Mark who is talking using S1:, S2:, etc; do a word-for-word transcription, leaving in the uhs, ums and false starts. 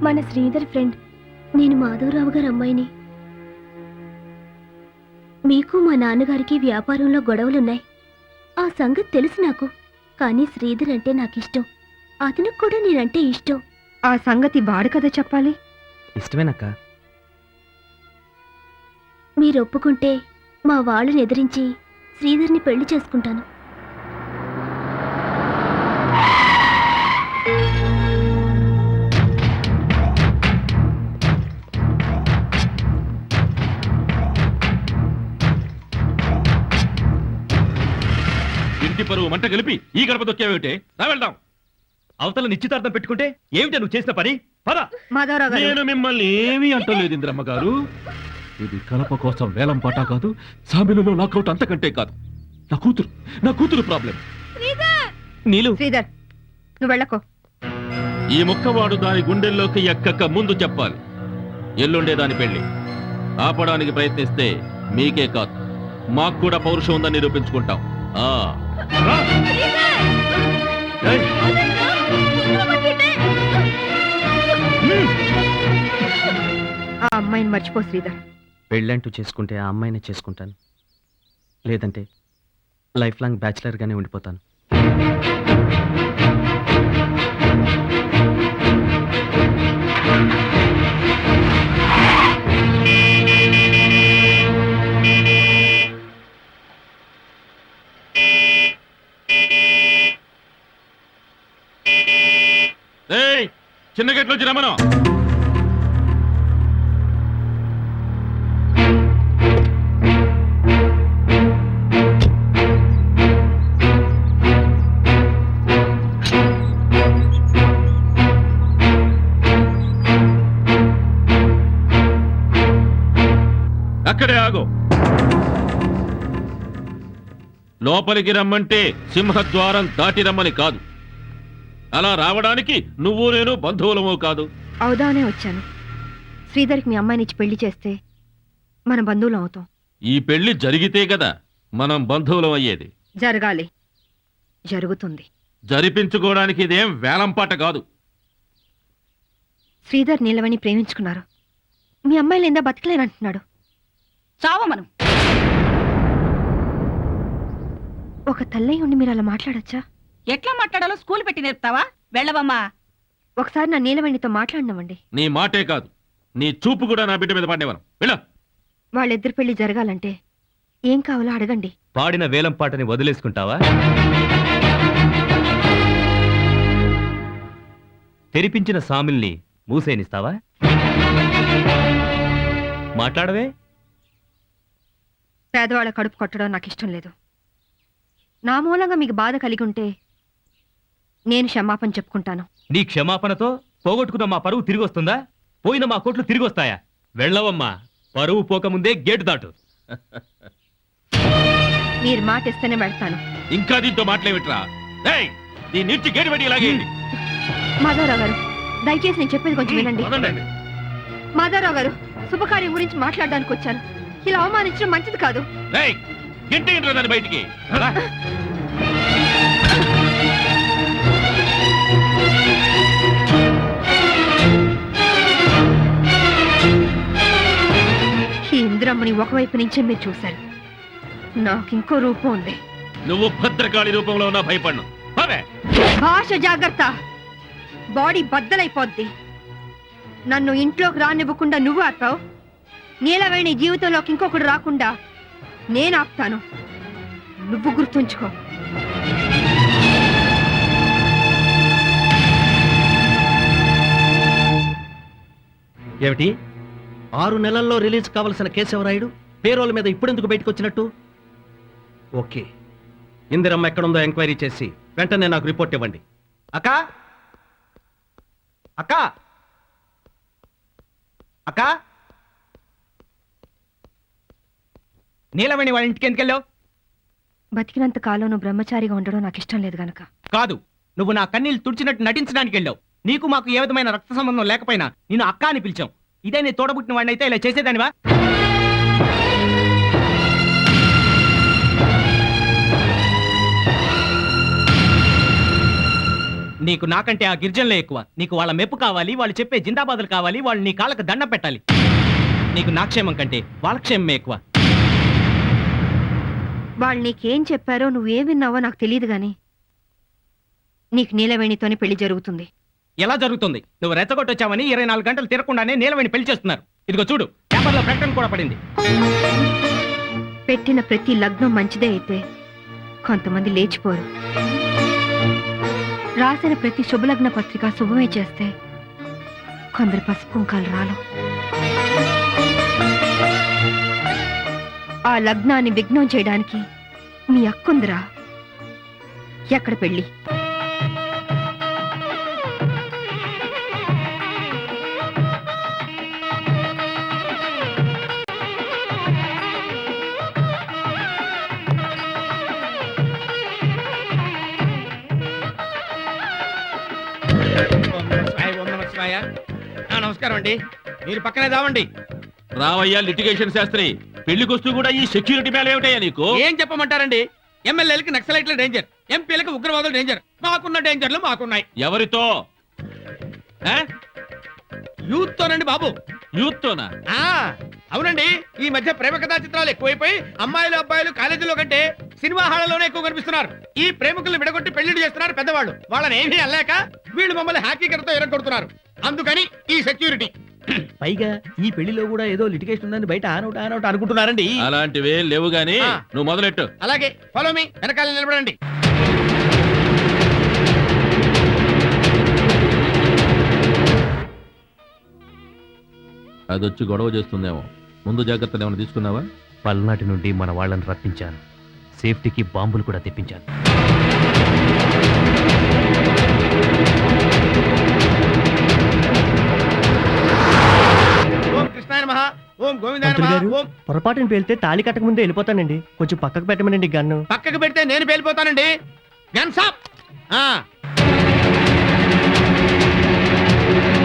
S1: మన శ్రీధర్ ఫ్రెండ్. నేను మాధవరావు గారి అమ్మాయిని. మీకు మా నాన్నగారికి వ్యాపారంలో గొడవలున్నాయి. ఆ సంగతి తెలుసు నాకు. కానీ శ్రీధర్ అంటే నాకిష్టం. అతనికి కూడా నేనంటే ఇష్టం.
S2: ఆ సంగతి వాడు కదా చెప్పాలి.
S3: ఇష్టమేనక్క.
S1: మీరు ఒప్పుకుంటే మా వాళ్ళని ఎదిరించి శ్రీధర్ని పెళ్లి చేసుకుంటాను.
S4: ఇంటి పరువు మంట కలిపి ఈ గడప దొక్కేవేమిటే? రా వెళ్దాం.
S3: అవతల నిశ్చితార్థం పెట్టుకుంటే ఏమిటా నువ్వు చేసిన పని? పద.
S2: మాధవరావు గారు,
S4: నేను మిమ్మల్ని ఏమీ అంటలేదు ఇంద్రమ్మ గారు. ఇది కలప కోసం వేలం పాట కాదు, సామిలలో నాకౌట్ అంతకంటే కాదు. నా కూతురు నా కూతురు ప్రాబ్లం.
S3: నీలు,
S2: శ్రీధర్ నువ్వు వెళ్ళకో.
S4: ఈ ముక్కవాడు దాని గుండెల్లోకి ఎక్కక ముందు చెప్పాలి. ఎల్లుండే దాని పెళ్లి ఆపడానికి ప్రయత్నిస్తే మీకే కాదు, మాకు కూడా పౌరుషం ఉందని నిరూపించుకుంటాం. ఆ
S2: ఆ అమ్మాయిని మర్చిపో శ్రీధర్.
S3: పెళ్ళంటూ చేసుకుంటే ఆ అమ్మాయిని చేసుకుంటాను, లేదంటే లైఫ్ లాంగ్ బ్యాచిలర్గానే ఉండిపోతాను.
S4: చిన్న గేట్లో వచ్చి రమ్మను. అక్కడే ఆగు. లోపలికి రమ్మంటే సింహద్వారం దాటి రమ్మని కాదు. అలా రావడానికి నువ్వు నేను బంధువులమో కాదు.
S2: అవుదానే వచ్చాను. శ్రీధర్కి మీ అమ్మాయిని ఇచ్చి పెళ్లి చేస్తే మన బంధువులం అవుతాం.
S4: ఈ పెళ్లి జరిగితే కదా మనం బంధువులం అయ్యేది.
S2: జరగాలి, జరుగుతుంది.
S4: జరిపించుకోవడానికి ఇదేం వేలంపాట కాదు.
S2: శ్రీధర్ నీలవని ప్రేమించుకున్నారు. మీ అమ్మాయి లేదా బతకలేనంటున్నాడు.
S5: చావమను.
S2: ఒక తల్లై ఉండి మీరు అలా మాట్లాడచ్చా?
S5: ఎట్లా మాట్లాడాలో స్కూల్ పెట్టి నేర్పుతావా? వెళ్ళవమ్మా.
S2: ఒకసారి నా నీలవణితో మాట్లాడినామండి.
S4: నీ మాటే కాదు, నీ చూపు కూడా నా బిడ్డ మీద పడేవాను. వెళ్ళ.
S2: వాళ్ళిద్దరి పెళ్లి జరగాలంటే ఏం కావాలో అడగండి.
S3: పాడిన వేలం పాటని వదిలేసుకుంటావా? తెరిపించిన సామిల్ని మూసేనిస్తావా? మాట్లాడవే.
S2: పేదవాళ్ళ కడుపు కొట్టడం నాకు ఇష్టం లేదు. నా మూలంగా మీకు బాధ కలిగి ఉంటే నేను క్షమాపణ చెప్పుకుంటాను.
S3: నీ క్షమాపణతో పోగొట్టుకున్న మా పరువు తిరిగి వస్తుందా? పోయిన మా కోట్లు తిరిగి వస్తాయా? వెళ్ళవమ్మా. పరువు పోకముందే గేటు దాటు.
S2: మీరు మాట ఇస్తేనే వెళ్తాను.
S4: ఇంకా దీంతో మాట్లాడేవిట్రా? దీని నుంచి గేటు పెట్టి ఇలాగేయండి.
S2: మాధవరావు గారు, దయచేసి నేను చెప్పేది కొంచెం వినండి.
S4: వదలండి.
S2: మాధవరావు గారు, శుభకార్యం గురించి మాట్లాడడానికి వచ్చాను. ఇలా అవమానించడం మంచిది కాదు.
S4: ఏయ్, గెంటేయండిరా దాన్ని బయటికి. రా.
S2: ఈ ఇందిరమ్మని ఒకవైపు నుంచే మీరు చూశారు. నాకు ఇంకో రూపం ఉంది.
S4: నువ్వు భద్రకాళి రూపంలో ఉన్నా భయపడ్ను.
S2: భాష జాగ్రత్త. బాడీ బద్దలైపోద్ది. నన్ను ఇంట్లోకి రానివ్వకుండా నువ్వు ఆపావు. నీలవేణి జీవితంలోకి ఇంకొకడు రాకుండా నేను ఆపుతాను. నువ్వు గుర్తుంచుకో.
S6: ఏమిటి? ఆరు నెలల్లో రిలీజ్ కావలసిన కేశవరాయుడు పేరోల మీద ఇప్పుడెందుకు బయటకు వచ్చినట్టు? ఓకే, ఇందిరమ్మ ఎక్కడుందో ఎంక్వైరీ చేసి వెంటనే నాకు రిపోర్ట్ ఇవ్వండి. అక్క అక్క అక్క
S7: నీలవేణి వాళ్ళ ఇంటికి ఎందుకు వెళ్ళావు?
S2: బతికినంత కాలం నువ్వు బ్రహ్మచారిగా ఉండడం నాకు ఇష్టం లేదు గనక.
S7: కాదు, నువ్వు నా కన్నీళ్లు తుడిచినట్టు నటించడానికి వెళ్ళావు. నీకు మాకు ఏ విధమైన రక్త సంబంధం లేకపోయినా నిన్ను అక్క అని పిలిచాం. ఇదే నీ తోడబుట్టిన వాడిని అయితే ఇలా చేసేదానివా? నీకు నాకంటే ఆ గిరిజనులే ఎక్కువ. నీకు వాళ్ళ మెప్పు కావాలి, వాళ్ళు చెప్పే జిందాబాదులు కావాలి, వాళ్ళు నీ కాళ్ళకు దండం పెట్టాలి. నీకు నా క్షేమం కంటే వాళ్ళ క్షేమమే ఎక్కువ.
S2: వాళ్ళు నీకేం చెప్పారో నువ్వేం విన్నావో నాకు తెలియదు గాని నీకు నీలవేణితోనే పెళ్లి జరుగుతుంది.
S7: ఎలా జరుగుతుంది? నువ్వు రెచ్చగొట్టొచ్చావని ఇరవై నాలుగు గంటలు తిరగకుండానే నీలవేణి పెళ్లి చేస్తున్నారు. ఇదిగో చూడు, పేపర్లో ప్రకటన కూడా పడింది.
S2: పెట్టిన ప్రతి లగ్నం మంచిదే అయితే కొంతమంది లేచిపోరు. రాసిన ప్రతి శుభలగ్న పత్రిక శుభమే చేస్తే కొందరు పసుపు కుంకాలు రాలు. ఆ లగ్నాన్ని విఘ్నం చేయడానికి మీ అక్కుందిరా. ఎక్కడ పెళ్ళి?
S6: నమస్కారం అండి. మీరు పక్కనే దావండి.
S4: రావయ్యా లిటిగేషన్ శాస్త్రి, పెళ్లికొస్తూ కూడా ఈ సెక్యూరిటీ మేళ ఏమిటయ్యా నీకు?
S6: ఏం చెప్పమంటారండి? ఎమ్మెల్యేలకి నక్సలైట్ల డేంజర్, ఎంపీలకు ఉగ్రవాదుల డేంజర్. మాకున్న డేంజర్లు మాకున్నాయి.
S4: ఎవరితో?
S6: యూత్ తోనండి బాబు.
S4: యూత్ తోనా?
S6: ఆ అవునండి. ఈ మధ్య ప్రేమ కథా చిత్రాలు ఎక్కువైపోయి అమ్మాయిలు అబ్బాయిలు కాలేజీలో కంటే సినిమా హాళ్లలోనే ఎక్కువ కనిపిస్తున్నారు. ఈ ప్రేమికుల్ని విడగొట్టి పెళ్లిళ్ళు చేస్తున్నారు పెద్దవాళ్ళు. వాళ్ళని ఏమీ అనలేక వీళ్ళు మమ్మల్ని హ్యాకీకరతో ఎరగొడుతున్నారు. అందుకని ఈ సెక్యూరిటీ. పైగా ఈ పెళ్లిలో కూడా ఏదో లిటిగేషన్ ఉందని బయట ఆనౌట్ ఆనౌట్ అనుకుంటున్నారండి.
S4: అలాంటివే లేవు గాని
S6: ఆ.
S4: నువ్వు మొదలెట్టు.
S6: అలాగే ఫాలో మీ, వెనకాల నిలబడండి.
S4: అదొచ్చి గొడవ చేస్తుందేమో. ముందు జాగ్రత్తలు ఏమైనా తీసుకున్నావా?
S3: పల్నాటి నుండి మన వాళ్ళని రప్పించాను. సేఫ్టీకి బాంబులు కూడా తెప్పించాను.
S6: ఓం కృష్ణాయ నమః, ఓం గోవిందాయ నమః, ఓం.
S8: పొరపాటుని పేలితే తాళి కట్టక ముందే వెళ్ళిపోతానండి. కొంచెం పక్కకు పెట్టమనండి గన్ను.
S6: పక్కకు పెడితే నేను పేలిపోతానండి. గన్ సాప్. ఆ